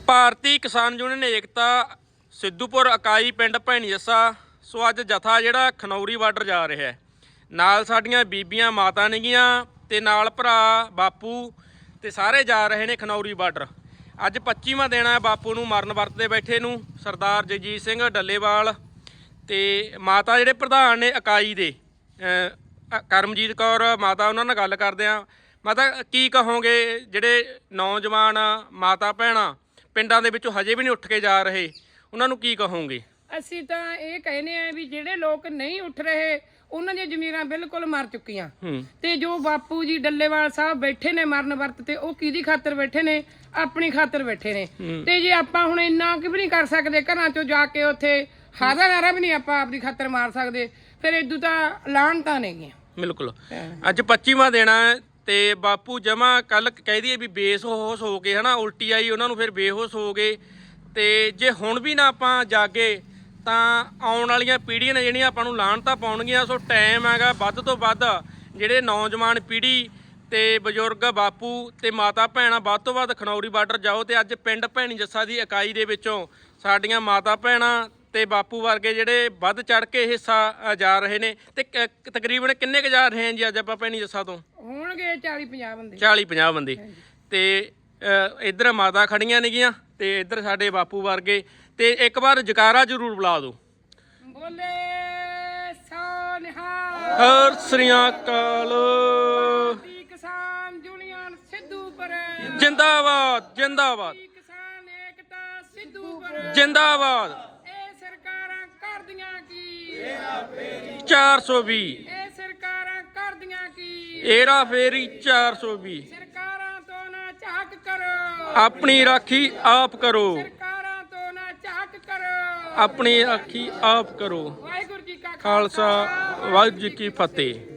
ਭਾਰਤੀ ਕਿਸਾਨ ਯੂਨੀਅਨ ਏਕਤਾ ਸਿੱਧੂਪੁਰ ਇਕਾਈ ਪਿੰਡ ਭੈਣੀ ਜੱਸਾ। ਸੋ ਅੱਜ ਜਥਾ ਜਿਹੜਾ ਖਨੌਰੀ ਬਾਰਡਰ ਜਾ ਰਿਹਾ ਹੈ, ਨਾਲ ਸਾਡੀਆਂ ਬੀਬੀਆਂ ਮਾਤਾ ਨੇਗੀਆਂ ਤੇ ਨਾਲ ਭਰਾ ਬਾਪੂ ਤੇ ਸਾਰੇ ਜਾ ਰਹੇ ਨੇ ਖਨੌਰੀ ਬਾਰਡਰ। ਅੱਜ 25ਵਾਂ ਦਿਨ ਹੈ ਬਾਪੂ ਨੂੰ ਮਰਨ ਵਰਤ ਦੇ ਬੈਠੇ ਨੂੰ। ਸਰਦਾਰ ਜਗਜੀਤ ਸਿੰਘ ਡੱਲੇਵਾਲ ਤੇ ਮਾਤਾ ਜਿਹੜੇ ਪ੍ਰਧਾਨ ਨੇ ਇਕਾਈ ਦੇ ਕਰਮਜੀਤ ਕੌਰ ਮਾਤਾ, ਉਹਨਾਂ ਨਾਲ ਗੱਲ ਕਰਦੇ ਆ। ਮਾਤਾ, ਕੀ ਕਹੋਗੇ ਜਿਹੜੇ ਨੌਜਵਾਨ ਮਾਤਾ ਭੈਣਾਂ ਪਿੰਡਾਂ ਦੇ ਵਿੱਚੋਂ ਹਜੇ ਵੀ ਨਹੀਂ ਉੱਠ ਕੇ ਜਾ ਰਹੇ, ਉਹਨਾਂ ਨੂੰ ਕੀ ਕਹੋਗੇ? ਅਸੀਂ ਤਾਂ ਇਹ ਕਹਿੰਦੇ ਆ ਵੀ ਜਿਹੜੇ ਲੋਕ ਨਹੀਂ ਉੱਠ ਰਹੇ ਉਹਨਾਂ ਦੀਆਂ ਜ਼ਮੀਰਾਂ ਬਿਲਕੁਲ ਮਰ ਚੁੱਕੀਆਂ। ਤੇ ਜੋ ਬਾਪੂ ਜੀ ਡੱਲੇਵਾਲ ਸਾਹਿਬ ਬੈਠੇ ਨੇ ਮਰਨ ਵਰਤ ਤੇ, ਉਹ ਕਿਹਦੀ ਖਾਤਰ ਬੈਠੇ ਨੇ? ਆਪਣੀ ਖਾਤਰ ਬੈਠੇ ਨੇ। ਤੇ ਜੇ ਆਪਾਂ ਹੁਣ ਇੰਨਾ ਕਿ ਵੀ ਨਹੀਂ ਕਰ ਸਕਦੇ, ਘਰਾਂ ਚੋਂ ਜਾ ਕੇ ਉੱਥੇ ਹਾਦਾ ਨਾਰਾ ਵੀ ਨਹੀਂ ਆਪਾਂ ਆਪਣੀ ਖਾਤਰ ਮਾਰ ਸਕਦੇ, ਫਿਰ ਇਦੋਂ ਤਾਂ ਲਾਹਣਤਾਂ ਨੇਗੀਆਂ। ਬਿਲਕੁਲ। ਅੱਜ 25ਵਾਂ ਦਿਨ ਹੈ ਤੇ ਬਾਪੂ ਜਮਾ ਕੱਲ ਕਹਿ ਦਈਏ ਵੀ ਬੇਹੋਸ਼ ਹੋ ਗਏ, ਹਨਾ, ਉਲਟੀ ਆਈ ਉਹਨਾਂ ਨੂੰ, ਫਿਰ ਬੇਹੋਸ਼ ਹੋ ਗਏ। ਤੇ ਜੇ ਹੁਣ ਵੀ ਨਾ ਆਪਾਂ ਜਾਗੇ ਤਾਂ ਆਉਣ ਵਾਲੀਆਂ ਪੀੜ੍ਹੀਆਂ ਨੇ ਜਿਹੜੀਆਂ ਆਪਾਂ ਨੂੰ ਲਾਹਣਤਾਂ ਪਾਉਣਗੀਆਂ। ਸੋ ਟਾਈਮ ਹੈਗਾ ਵੱਧ ਤੋਂ ਵੱਧ ਜਿਹੜੇ ਨੌਜਵਾਨ ਪੀੜ੍ਹੀ ਤੇ ਬਜ਼ੁਰਗ ਬਾਪੂ ਤੇ ਮਾਤਾ ਭੈਣਾਂ ਵੱਧ ਤੋਂ ਵੱਧ ਖਨੌਰੀ ਬਾਰਡਰ ਜਾਓ। ਤੇ ਅੱਜ ਪਿੰਡ ਭੈਣੀ ਜੱਸਾ ਦੀ ਇਕਾਈ ਦੇ ਵਿੱਚੋਂ ਸਾਡੀਆਂ ਮਾਤਾ ਭੈਣਾਂ ਤੇ ਬਾਪੂ ਵਰਗੇ ਜਿਹੜੇ ਵੱਧ ਚੜ ਕੇ ਹਿੱਸਾ ਜਾ ਰਹੇ ਨੇ। ਤੇ ਤਕਰੀਬਨ ਕਿੰਨੇ ਕੁ ਜਾ ਰਹੇ ਆ ਜੀ ਅੱਜ ਆਪਾਂ ਭੈਣੀ ਜੱਸਾ ਤੋਂ? ਹੋਣਗੇ 40-50 ਬੰਦੇ। 40-50 ਬੰਦੇ। ਤੇ ਇੱਧਰ ਮਾਤਾ ਖੜੀਆਂ ਨੇਗੀਆਂ ਤੇ ਇੱਧਰ ਸਾਡੇ ਬਾਪੂ ਵਰਗੇ। ਤੇ ਇੱਕ ਵਾਰ ਜਕਾਰਾ ਜ਼ਰੂਰ ਬੁਲਾ ਦਿਓ। ਬੋਲੇ ਸੋ ਨਿਹਾਲ। ਸਤਿ ਸ੍ਰੀ ਅਕਾਲ। ਭਾਰਤੀ ਕਿਸਾਨ ਯੂਨੀਅਨ ਸਿੱਧੂਪੁਰ ਜਿੰਦਾਬਾਦ, ਜਿੰਦਾਬਾਦ, ਕਿਸਾਨ ਏਕਤਾ ਸਿੱਧੂਪੁਰ ਜਿੰਦਾਬਾਦ। ਇਹ ਸਰਕਾਰਾਂ ਕਰਦੀਆਂ ਕੀ? 420 ਇਹ ਸਰਕਾਰਾਂ ਕਰਦੀਆਂ ਕੀ? ਏਰਾ ਫੇਰੀ 420। ਸਰਕਾਰਾਂ ਤੋਂ ਨਾ ਝਾਕ ਕਰੋ, ਆਪਣੀ ਰਾਖੀ ਆਪ ਕਰੋ, ਸਰਕਾਰਾਂ ਤੋਂ ਨਾ ਝਾਕ ਕਰੋ, ਆਪਣੀ ਰਾਖੀ ਆਪ ਕਰੋ। ਵਾਹਿਗੁਰੂ ਜੀ ਕਾ ਖਾਲਸਾ, ਵਾਹਿਗੁਰੂ ਜੀ ਕੀ ਫਤਿਹ।